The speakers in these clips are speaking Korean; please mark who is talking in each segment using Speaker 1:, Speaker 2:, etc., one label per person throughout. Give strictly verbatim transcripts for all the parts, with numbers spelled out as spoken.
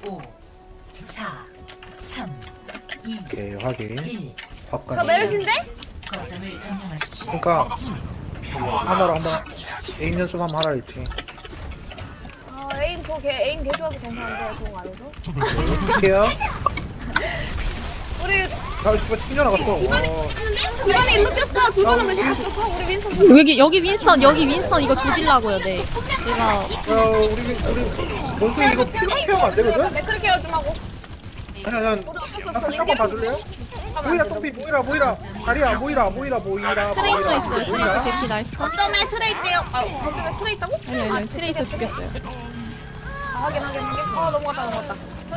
Speaker 1: 오, 사, 삼, 이,
Speaker 2: 오케이 확인.
Speaker 1: 일.
Speaker 3: 저
Speaker 2: 바깥.
Speaker 3: 메르신데?
Speaker 1: 거점을 점령하십시오.
Speaker 2: 그러니까 하나로 한번 에임 연습 한번 하라 했지.
Speaker 3: 아 에임 저걔 에임 개 좋아서 괜찮은데 그거 안 해서.
Speaker 2: 어떡해요?
Speaker 3: 우리
Speaker 2: 아 씨발 튕겨 나갔어. 와.
Speaker 3: 이번에 일로 뛰었어. 두번은 왜 자꾸 뛰었어? 우리 윈선.
Speaker 4: 여기 여기 윈스턴 여기 윈스턴 이거 조질라고요. 네. 제가
Speaker 2: 야 우리 우리 원숭이 이거 피하면 안 되거든?
Speaker 3: 네 그렇게 해요 좀 하고.
Speaker 2: 아니 아니
Speaker 3: 우리 어쩔 수
Speaker 2: 나
Speaker 3: 없어.
Speaker 2: 사실 한번 봐줄래요? 모이라 똥피 모이라 모이라 다리야 모이라 모이라 모이라
Speaker 4: 트레이서
Speaker 2: 모이라,
Speaker 4: 있어요. 트레이서
Speaker 2: 모이라.
Speaker 4: 대피 나이스 컷.
Speaker 3: 거점에 트레 있대요. 아 거점에 트레 있다고?
Speaker 4: 아니 아니 아니 트레이서 죽였어요.
Speaker 3: 아 확인 확인 확인. 아 넘어갔다 넘어갔다.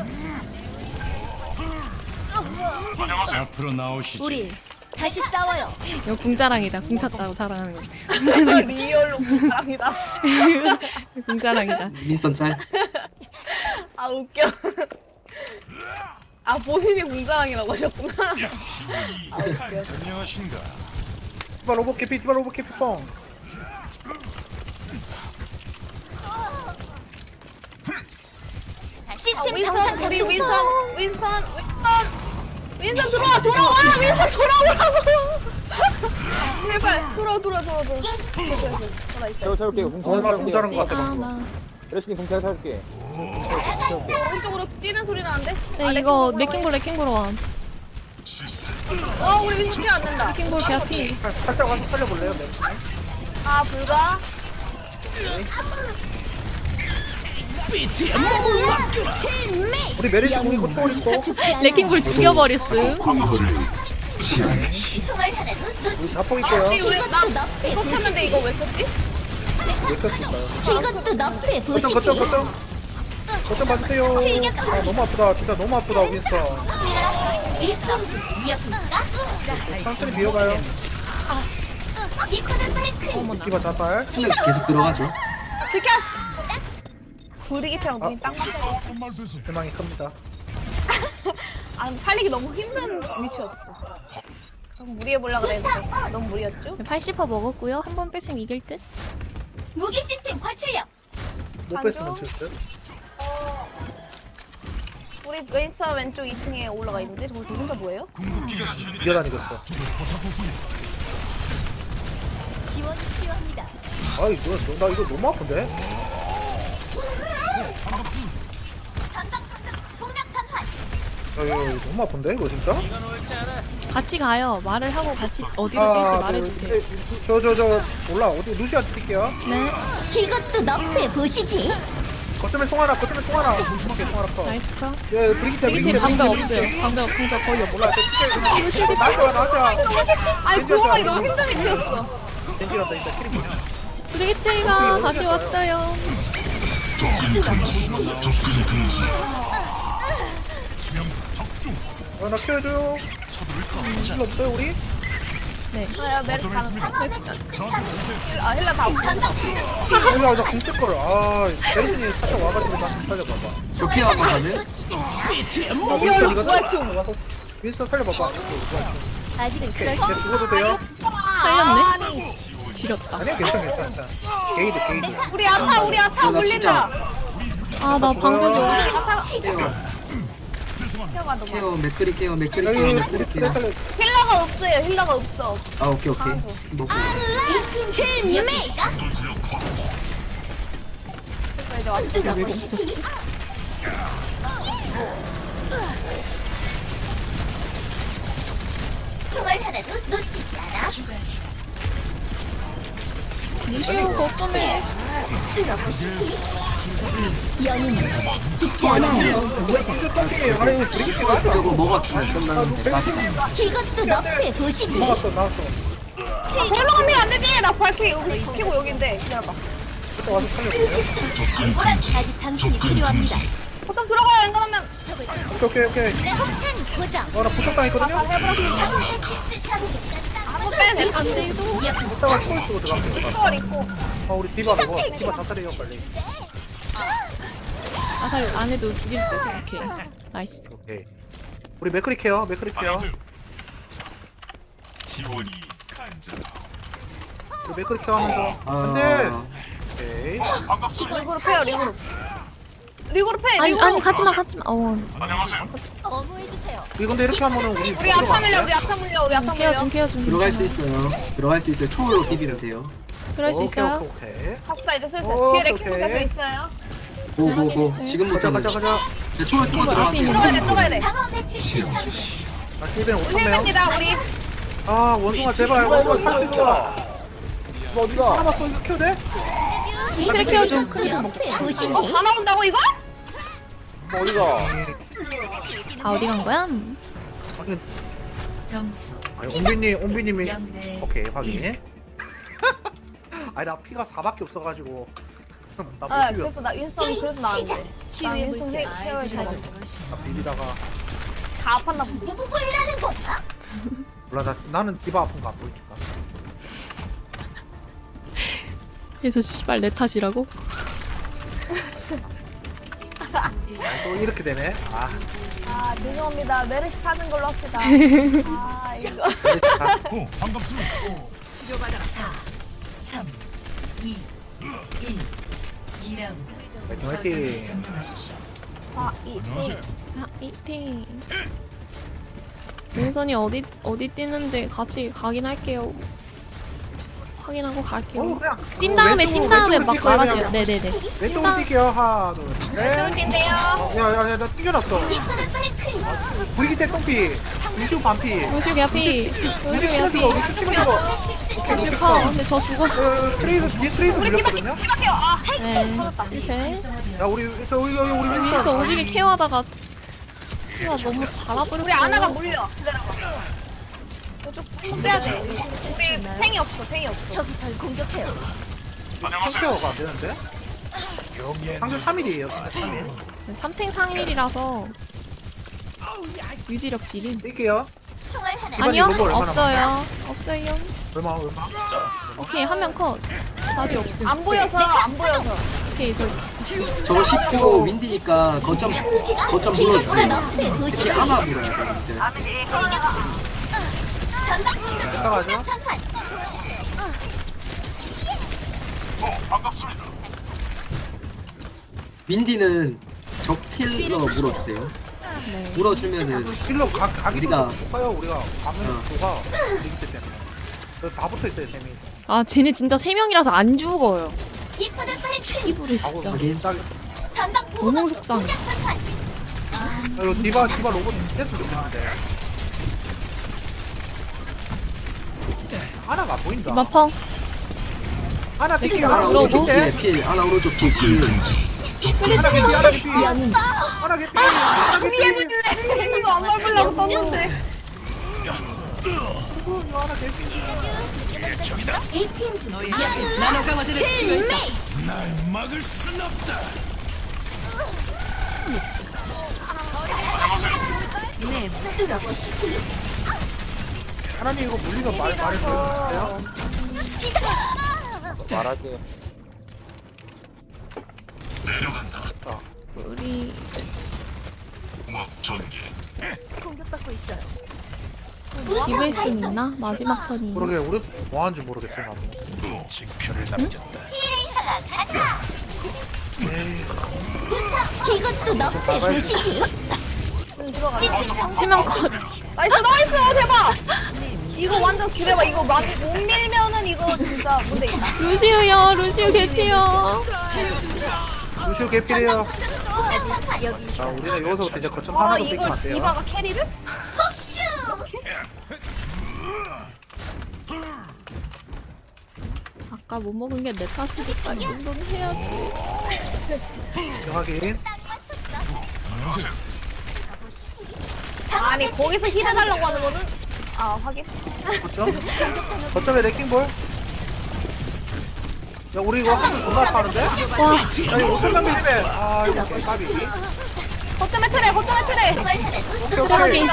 Speaker 5: 앞으로 나오시지.
Speaker 6: 우리 다시 싸워요.
Speaker 4: 이거 궁자랑이다. 궁 찼다고 자랑하는 거.
Speaker 3: 아, 리얼로 사랑이다.
Speaker 4: 궁자랑이다.
Speaker 7: 윈스턴 짤.
Speaker 3: 아 웃겨. 아 본인이 공자랑이라고 하셨구나. 아 웃겨.
Speaker 5: 안녕하신가.
Speaker 2: 디바 로봇 캐피 디바 로봇 캐피 뻥.
Speaker 3: 아,
Speaker 6: 시스템
Speaker 3: 윈선
Speaker 6: 정상
Speaker 3: 우리
Speaker 6: 작동
Speaker 3: 윈선
Speaker 6: 중.
Speaker 3: 윈선 윈선 윈선 들어와 돌아와 윈선 돌아오라고. 제발 돌아 돌아 돌아 돌아. 돌아 있어.
Speaker 8: 제가 채울게요. 공차
Speaker 2: 얼마나 공짜는 것 같아
Speaker 4: 아,
Speaker 2: 방금.
Speaker 4: 나.
Speaker 8: 레시님 공차 채울게.
Speaker 3: 오른쪽으로 뛰는 소리 나는데?
Speaker 4: 네
Speaker 3: 아,
Speaker 4: 이거
Speaker 3: 레킹볼
Speaker 4: 레킹볼 레킹볼 원.
Speaker 3: 어 우리 윈선 피안 된다.
Speaker 4: 레킹볼 개피.
Speaker 2: 살- 살짝 와서 살려볼래요? 네.
Speaker 3: 아 불가.
Speaker 2: 우리 메리시 공이 고 초월 있고
Speaker 6: 죽지 않아.
Speaker 4: 레킹볼 죽여버렸음.
Speaker 6: 총알 하나도 놓.
Speaker 2: 우리 자폭 있게요.
Speaker 3: 우리 우리 나
Speaker 6: 이것도 너프에
Speaker 3: 이거 켰는데
Speaker 6: 보시지.
Speaker 3: 이거 왜 썼지?
Speaker 2: 몇 켰을 있어요?
Speaker 6: 이것도 너프에
Speaker 2: 거점
Speaker 6: 보시지.
Speaker 2: 거점 거점 거점 봐주세요. 아 너무 아프다 진짜 너무 아프다 윈스턴.
Speaker 6: 위협입니까?
Speaker 2: 천천히 비워봐요.
Speaker 6: 디코더 브레이크.
Speaker 2: 디바 자살.
Speaker 7: 한 명씩 계속 들어가죠.
Speaker 3: 비켰어. 구리기처럼 눈이 딱 맞아.
Speaker 2: 대망이 큽니다.
Speaker 3: 아 살리기 너무 힘든 위치였어. 그럼 무리해 보려고 그랬는데 너무 무리였죠?
Speaker 4: 팔십 퍼센트 먹었고요. 한 번 뺐으면 이길 듯.
Speaker 6: 무기 시스템 과출력.
Speaker 2: 못 뺐으면 칠듯.
Speaker 3: 우리 웨이스 왼쪽 이 층에 올라가 있는데 저기서 혼자 뭐예요?
Speaker 2: 뛰어다니겠어.
Speaker 6: 지원이 필요합니다.
Speaker 2: 아이 뭐야 너, 나 이거 너무 아픈데?
Speaker 6: 폭력 전환.
Speaker 2: 아 이거 이거 너무 아픈데 이거 진짜?
Speaker 4: 같이 가요. 말을 하고 같이 어디로 뛸지 말해주세요.
Speaker 2: 저저 저 몰라 어디 루시아 드릴게요.
Speaker 4: 네.
Speaker 6: 이것도 너프에 보시지.
Speaker 2: 거점에 송 하나 거점에 송 하나. 오케이 송 하나 커.
Speaker 4: 나이스 컷.
Speaker 2: 예 브리기테
Speaker 4: 밑에
Speaker 2: 브리기테
Speaker 4: 방벽
Speaker 2: 브리기테.
Speaker 4: 없어요. 방벽 방벽 거의 없어.
Speaker 2: 몰라 저 진짜 나한테 와 나한테 와.
Speaker 3: 아니 고용하기 너무 힘든 위치였어.
Speaker 2: 겐지란다 진짜 키리.
Speaker 4: 브리기테이가 다시 왔어요.
Speaker 2: 어나 키워줘요. 힐 없어요 우리?
Speaker 4: 네.
Speaker 3: 아야 메르스 가는 아 힐라 다 없어.
Speaker 2: 힐라 나공 쓸 거를. 아 메리슨이 살짝 와가지고 나 살려봐봐.
Speaker 7: 저 피해 한번 가는?
Speaker 2: 아 윈스턴 이거 좀 와서 윈스턴 살려봐봐.
Speaker 6: 아직은 그럴
Speaker 2: 걔 죽어도 돼요?
Speaker 4: 살렸네. 지렸다.
Speaker 2: 아니야 괜찮아 괜찮아. 게이드 게이드.
Speaker 3: 우리 아파 우리 아파
Speaker 7: 나 진짜
Speaker 3: 물린다.
Speaker 4: 아 나 방벽이 없어.
Speaker 3: 힐러가 너무
Speaker 7: 케어 맥크리 케어 맥크리
Speaker 2: 여기
Speaker 7: 케어
Speaker 2: 우리
Speaker 7: 맥크리
Speaker 2: 그래
Speaker 7: 케어.
Speaker 2: 살려.
Speaker 3: 힐러가 없어요. 힐러가 없어.
Speaker 7: 아 오케이 오케이. 먹고.
Speaker 6: 칠메가.
Speaker 3: 그래서 이제 왔어.
Speaker 4: 왜 없었지?
Speaker 6: 총알 하나도 놓치지 않아.
Speaker 4: 루시오 거점에.
Speaker 6: 뚫어보시지. 영웅 죽지 않아요.
Speaker 2: 진짜 떡이 아니 브리기테 맞아.
Speaker 7: 그리고 먹었어. 끝났는데. 맞다.
Speaker 6: 이것도 너프에 보시지.
Speaker 2: 나왔어 나왔어.
Speaker 3: 힐러 가면 안 되지. 나 발키 여기 키고 여기인데 기다려봐.
Speaker 2: 그때 와서 살려볼게요.
Speaker 6: 아직 당신이 필요합니다.
Speaker 3: 거점 들어가요. 안 그러면
Speaker 2: 오케이 오케이 오케이.
Speaker 6: 폭탄 고정.
Speaker 2: 어나 부탁당했거든요?
Speaker 3: 한번 빼야 돼.
Speaker 4: 안 돼도.
Speaker 2: 이따가 초월 쓰고 들어갈게요.
Speaker 3: 초월 있고.
Speaker 2: 아 우리 디바 이거 디바 자살해요 빨리.
Speaker 4: 아살 안 해도 죽일 듯. 오케이. 나이스.
Speaker 2: 오케이. 우리 맥크리 케어 맥크리 케어.
Speaker 5: 지원이 간절.
Speaker 2: 우리 맥크리 케어 하면서.
Speaker 7: 아.
Speaker 2: 안돼. 오케이.
Speaker 3: 리그룹 해요. 리그룹. 리그로 패.
Speaker 4: 아니
Speaker 3: 리그로.
Speaker 4: 아니 가지마 가지마. 어.
Speaker 6: 어머해주세요.
Speaker 2: 이 근데 이렇게 하면은 우리
Speaker 3: 우리 아타 물려. 우리 아타 물려. 우리 아타
Speaker 4: 케어
Speaker 3: 물려.
Speaker 4: 좀 케어 좀.
Speaker 7: 들어갈 수 있어요. 들어갈 수 있어요. 초월로 비비면 돼요.
Speaker 4: 그럴 수 있어요.
Speaker 2: 오케이 오케이.
Speaker 3: 갑시다 이제 슬슬.
Speaker 2: 오,
Speaker 3: 뒤에
Speaker 2: 오케이,
Speaker 3: 레킹
Speaker 2: 오케이.
Speaker 3: 곁에 있어요.
Speaker 7: 고고고.
Speaker 2: 가자
Speaker 7: 지금부터는
Speaker 2: 가자 가자.
Speaker 7: 네, 초월 쓰고
Speaker 4: 앞에
Speaker 7: 들어가세요.
Speaker 4: 있는
Speaker 3: 들어가야 돼. 들어가야 돼.
Speaker 6: 방어 매트릭스 장치.
Speaker 2: 아 힐벤 오천 명.
Speaker 3: 힐맨이다 우리.
Speaker 2: 아 원숭아 제발 원숭아 살수 있어. 너 어디가? 남았어 이거 키워 돼?
Speaker 4: 트랙 케어 좀.
Speaker 6: 옆에 보시지.
Speaker 3: 어, 다 나온다고 이거?
Speaker 2: 너 어디가?
Speaker 4: 다 어디 간 거야?
Speaker 2: 아니
Speaker 1: 점수
Speaker 2: 아니 옴비님 옴비님이
Speaker 1: 영대
Speaker 2: 오케이 확인. 아니 나 피가 사밖에 없어가지고 나
Speaker 3: 아
Speaker 2: 못 비볐어.
Speaker 3: 그래서 나 윈스턴이 그래서 나왔는데. 나
Speaker 6: 치유의
Speaker 3: 윈스턴
Speaker 6: 물결.
Speaker 3: 케어를 잘.
Speaker 1: 가져볼 것이다.
Speaker 2: 나 비비다가
Speaker 3: 다 아팠나 보지.
Speaker 6: 부부부이라는 거야?
Speaker 2: 몰라 나 나는 디바 아픈 거 안 보이니까.
Speaker 4: 그래서 씨발 내 탓이라고?
Speaker 2: 아니 또 이렇게 되네. 아
Speaker 3: 아 죄송합니다. 메르시 타는 걸로 합시다. 아 이거.
Speaker 2: 그렇다.
Speaker 5: 오, 반갑습니다.
Speaker 1: 사, 삼, 이, 일. 이 라운드.
Speaker 2: 화이팅,
Speaker 1: 거점을
Speaker 2: 화이팅.
Speaker 1: 점령하십시오.
Speaker 3: 아 이.
Speaker 5: 안녕하세요.
Speaker 4: 아 이팅. 민선이 어디 어디 뛰는지 같이 가긴 할게요. 확인하고
Speaker 2: 어
Speaker 4: 갈게요.
Speaker 2: 그냥
Speaker 4: 뛴 다음에
Speaker 2: 왼쪽으로,
Speaker 4: 뛴 다음에 막
Speaker 2: 왼쪽으로 뛰어요,
Speaker 4: 말아줘요.
Speaker 2: 그냥.
Speaker 4: 네네네.
Speaker 2: 왼쪽으로 뛸게요. 하나 둘 셋.
Speaker 3: 윈스턴인데요.
Speaker 2: 야야야 나 뛰어났어. 브리기테 똥피. 루시우 반피.
Speaker 4: 루시우 개피. 루시우
Speaker 2: 루시우
Speaker 4: 개피.
Speaker 2: 치면 죽어. 루시우 치면 죽어. 오케이 오케이.
Speaker 4: 슈퍼. 근데 저 죽어.
Speaker 2: 어, 트레이서 뒤에 트레이서 밀렸거든요.
Speaker 3: 이밖에요. 아
Speaker 4: 네. 실패.
Speaker 2: 야 우리 저 우리 우리 우리
Speaker 4: 윈스터
Speaker 2: 윈스턴.
Speaker 4: 오지게 케어하다가 키가 너무 달아버렸어.
Speaker 3: 우리 아나가 물려. 기다려봐. 저쪽 좀 빼야 돼. 우리 탱이 없어. 탱이 없어.
Speaker 6: 저기 절 공격해요.
Speaker 2: 상태가 안 되는데? 상대 삼 일이에요. 삼 일.
Speaker 4: 삼탱 상일이라서 유지력 지린.
Speaker 2: 뛸게요.
Speaker 6: 총알 하나.
Speaker 2: 이번에
Speaker 4: 아니요
Speaker 2: 로봇 얼마나
Speaker 4: 없어요. 없어요.
Speaker 2: 얼마 얼마?
Speaker 4: 오케이 한 명 컷. 아직 없음.
Speaker 3: 안 보여서 안 보여서.
Speaker 4: 오케이 저
Speaker 7: 저거 십구 윈디니까 거점 거점 불러주세요.
Speaker 6: 옆에
Speaker 7: 특히
Speaker 6: 보시지.
Speaker 7: 아마 물어야 돼.
Speaker 2: 이따 가죠.
Speaker 7: 윈디는 적 킬러 물어주세요. 물어주면은
Speaker 2: 실로 가 가기
Speaker 7: 우리가-
Speaker 2: 높아요. 우리가 가면
Speaker 7: 어.
Speaker 2: 도가 리기트 때문에. 여기 다 붙어 있어요, 쌤이.
Speaker 4: 아 쟤네 진짜 세 명이라서 안 죽어요.
Speaker 6: 이쁘는 파리크.
Speaker 4: 이불이
Speaker 2: 하고
Speaker 4: 진짜
Speaker 7: 확인.
Speaker 2: 딱
Speaker 6: 전방 보호.
Speaker 4: 너무 속상해.
Speaker 2: 아, 이거 디바 디바 로봇 됐으면 좋겠는데. 하나가 안 보인다.
Speaker 4: 마펑.
Speaker 2: 하나 뛸게요.
Speaker 7: 하나
Speaker 2: 하나
Speaker 4: 들어오고.
Speaker 7: 오른쪽
Speaker 2: 뛸게.
Speaker 7: 뒤에 필. 하나 오른쪽 뒤에 필.
Speaker 2: 하나 개피, 하나 개피. 하나 개피. 하나 개피.
Speaker 3: 이거 안 밟으려고 썼는데.
Speaker 2: 이거 하나 개피.
Speaker 6: 에이티엠 중.
Speaker 5: 날 막을 순 없다.
Speaker 6: 뚫어보시지.
Speaker 2: 하나님 이거 물리면 말 말해줘요.
Speaker 8: 말하세요.
Speaker 4: 우리
Speaker 6: 공격받고 있어요.
Speaker 4: 이블 순 있나? 마지막 턴이.
Speaker 2: 모르게 우리 뭐 하는지 모르겠어 나도.
Speaker 5: 징표를 남겼다.
Speaker 6: 이것도 너프에 보시지. 시스템
Speaker 4: 세 명 컷.
Speaker 3: 나이스 나이스 대박. 이거 완전 기대봐. 이거 많이 못 밀면은 이거 진짜 문제 있다.
Speaker 4: 루시우요. 루시우 개피요.
Speaker 2: 루시오 개피래요.
Speaker 6: 여기
Speaker 2: 자 우리는 여기서부터 이제 거점
Speaker 3: 아
Speaker 2: 하나로
Speaker 3: 이거
Speaker 2: 뺏기면 안 돼요.
Speaker 3: 디바가 캐리를?
Speaker 4: 아까 못 먹은 게 내 탓이니까 이 정도는 해야지.
Speaker 2: 확인.
Speaker 3: 아니 거기서 힐 해달라고 하는 거는 아 확인.
Speaker 2: 거점. 거점에 레킹볼. 야 우리 이거 한줄 존나 파는데? 야
Speaker 4: 와
Speaker 2: 이거 오천장 밀배. 아 이거 개값이.
Speaker 3: 거점에 트레 거점에 트레.
Speaker 2: 오케이 오케이.
Speaker 4: 들어가기.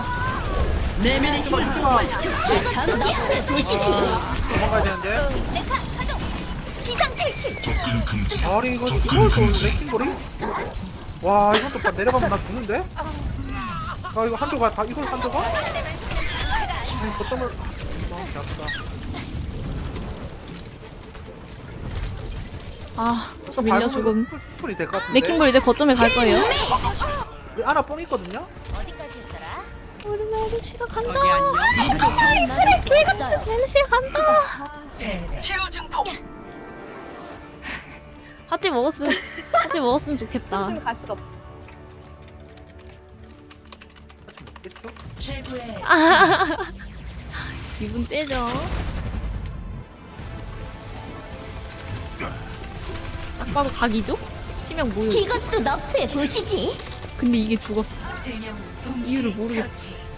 Speaker 6: 이것도 너프에 보시지.
Speaker 2: 도망가야 되는데.
Speaker 6: 메카 가동. 기상 탈출.
Speaker 2: 아니 이거 이걸 또 레킹볼이? 와 이것도 봐 내려가면 나 죽는데? 아 이거 한조가 다 이걸 한조가? 아니 거점을. 아 개아프다.
Speaker 4: 아
Speaker 2: 좀
Speaker 4: 밀려
Speaker 2: 밟으면
Speaker 4: 죽음.
Speaker 2: 풀- 풀이 될 것 같은데.
Speaker 4: 레킹볼 이제 거점에 갈 거예요.
Speaker 2: 우리 아나 뽕 있거든요.
Speaker 6: 어디까지였더라?
Speaker 4: 우리 메르시가 간다.
Speaker 6: 잘 막을 수 없어요.
Speaker 4: 메르시가 간다.
Speaker 1: 패배.
Speaker 4: 하지 먹었으면 하지 먹었으면 좋겠다.
Speaker 3: 지금 갈 수가 없어.
Speaker 2: 있겠죠?
Speaker 1: 최고의
Speaker 4: 기분 째죠. 딱 봐도 각이죠? 치명 모여.
Speaker 6: 이것도 너프해 보시지.
Speaker 4: 근데 이게 죽었어.
Speaker 1: 세명
Speaker 4: 이유를
Speaker 1: 동시에
Speaker 4: 모르겠어.
Speaker 1: 처치.